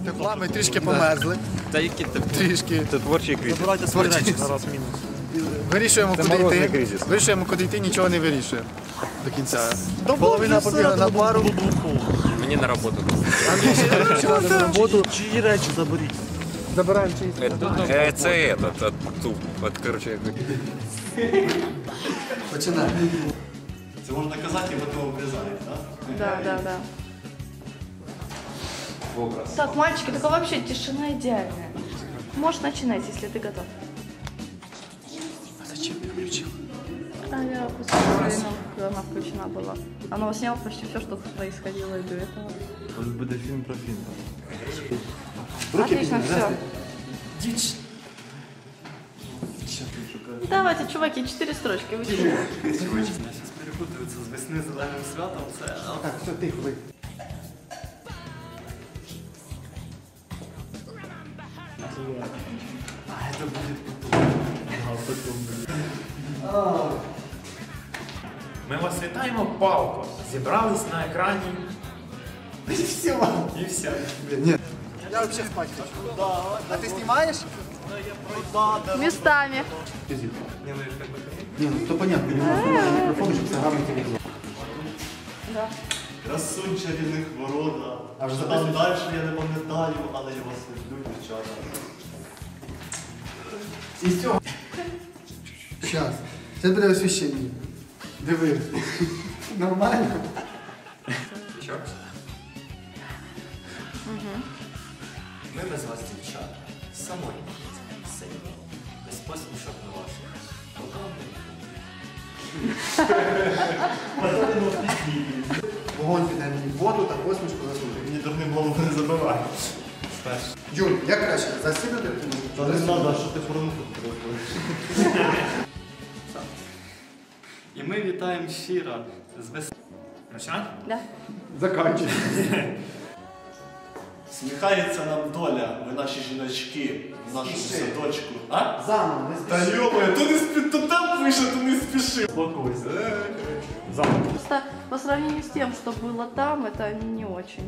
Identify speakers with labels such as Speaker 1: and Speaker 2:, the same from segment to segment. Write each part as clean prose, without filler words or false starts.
Speaker 1: тепла, ми трішки померзли.
Speaker 2: Та які ти
Speaker 1: Трішки.
Speaker 2: Це творчий кризис.
Speaker 3: Забирайте свої речі, зараз мінус.
Speaker 1: Вирішуємо, куди
Speaker 2: морозний
Speaker 1: йти.
Speaker 2: кризис.
Speaker 1: Вирішуємо, куди йти, нічого не вирішуємо. До кінця. Половина побігла на пару.
Speaker 2: Мені на роботу.
Speaker 1: Андрій ще треба на роботу.
Speaker 3: Чиї речі заберіть?
Speaker 1: Забираємо чиїсь.
Speaker 2: Це ту, от, короче,
Speaker 1: Починаємо.
Speaker 3: Це можна казати, і ви того обрізаєте, так?
Speaker 4: Да. Так, мальчики, только вообще тишина идеальная. Можешь начинать, если ты готов.
Speaker 1: А зачем ти включив?
Speaker 4: А я пустила, когда она включена была. Она сняла почти все, что происходило и до этого.
Speaker 3: Буде фільм про фільм.
Speaker 4: Отлично, все. Давайте, чуваки, 4 строчки. Вы чего?
Speaker 3: Зараз перепутуються з весни зеленим святом, це...
Speaker 1: Так, все, тихо, ви.
Speaker 3: А, це буде потом.
Speaker 5: Ми вас вітаємо, Палко. Зібрались на екрані.
Speaker 1: І все.
Speaker 5: І все.
Speaker 1: Ні. Я взагалі спати хочу. А ти знімаєш?
Speaker 4: Местами.
Speaker 1: Ні, ну то понятно. Мікрофон, щоб це гарний телевізор.
Speaker 4: Да.
Speaker 3: Красунь чарівних ворота.
Speaker 1: А вже
Speaker 3: Там далі я не пам'ятаю, але я вас люблю, дівчата.
Speaker 1: І все. Щас. Це буде освіщення. Диви. Нормально?
Speaker 2: Що?
Speaker 3: Ми без вас, дівчата, самотні, сильні, без посмішок на ваших.
Speaker 1: Вогонь піде мені в воду та посмішку засунути.
Speaker 3: Мені дурним голову не забиває.
Speaker 1: Юль, як краще? Засібати?
Speaker 3: Та не треба, що ти порнуху робиш. І ми вітаємо щиро з весни.
Speaker 5: Починати?
Speaker 4: Да.
Speaker 1: Заканчуй.
Speaker 3: Сміхається нам доля, ви наші жіночки, в нашому садочку. А?
Speaker 1: Заново, не
Speaker 3: Та
Speaker 1: спіши.
Speaker 3: йомає, то там пише, то не спіши. Спокойся.
Speaker 4: Просто по сравнению с тем, что было там, это не очень.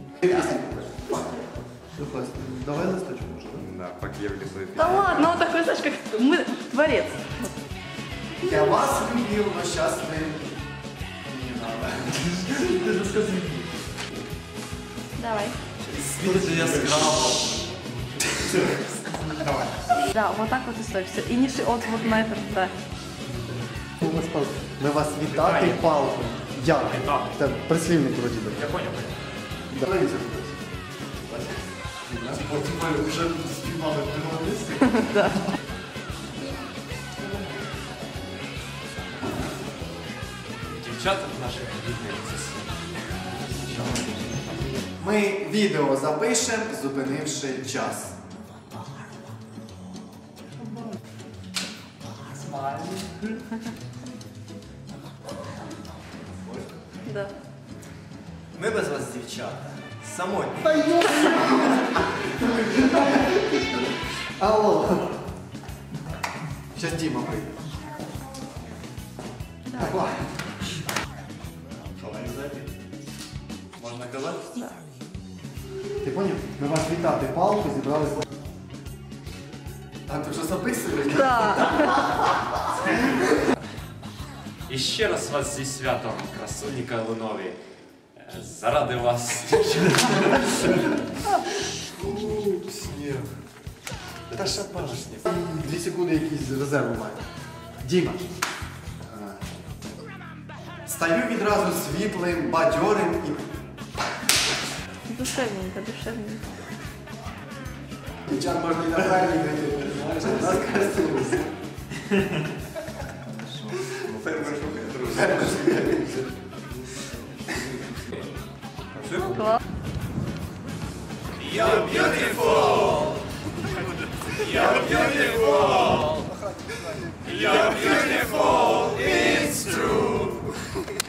Speaker 1: Давай листочку вже.
Speaker 2: Да, покевли свої
Speaker 4: Да ладно, он такой, знаешь, как мы творец.
Speaker 1: Я вас любив, но сейчас ви...
Speaker 3: Ти ж скажи.
Speaker 4: Давай.
Speaker 3: Світло яскраво.
Speaker 4: Да, вот так вот и стой. Все. И не вот на это, да.
Speaker 1: Ми вас вітати палку. Як? Це прислівник вроді би.
Speaker 5: Я понял.
Speaker 1: Давай це.
Speaker 3: Потім ми вже співали в
Speaker 5: Дівчата наших рідних
Speaker 1: Ми відео запишемо, зупинивши час.
Speaker 4: Да.
Speaker 3: Ми без вас, дівчата, самотні.
Speaker 1: Алло. Щас Діма прийде. Так, ладно.
Speaker 3: Що, мені зайти? Можна казати?
Speaker 4: Да.
Speaker 1: Ти поняв? Ми вас вітати палку, зібралися. А ти вже записуєш?
Speaker 4: Да.
Speaker 5: І ще раз вас зі святом, красуні Калинові. Заради вас.
Speaker 1: Сніг. Та шапашні. 2 секунди якісь резерву має. Діма. Стаю відразу світлим, бадьорим і...
Speaker 4: Душевненько, душевненько.
Speaker 1: Дівчат можна і на правильній грати. Знаєш, у нас красиво.
Speaker 4: Класс.
Speaker 5: You're beautiful! You're beautiful! You're beautiful! It's true!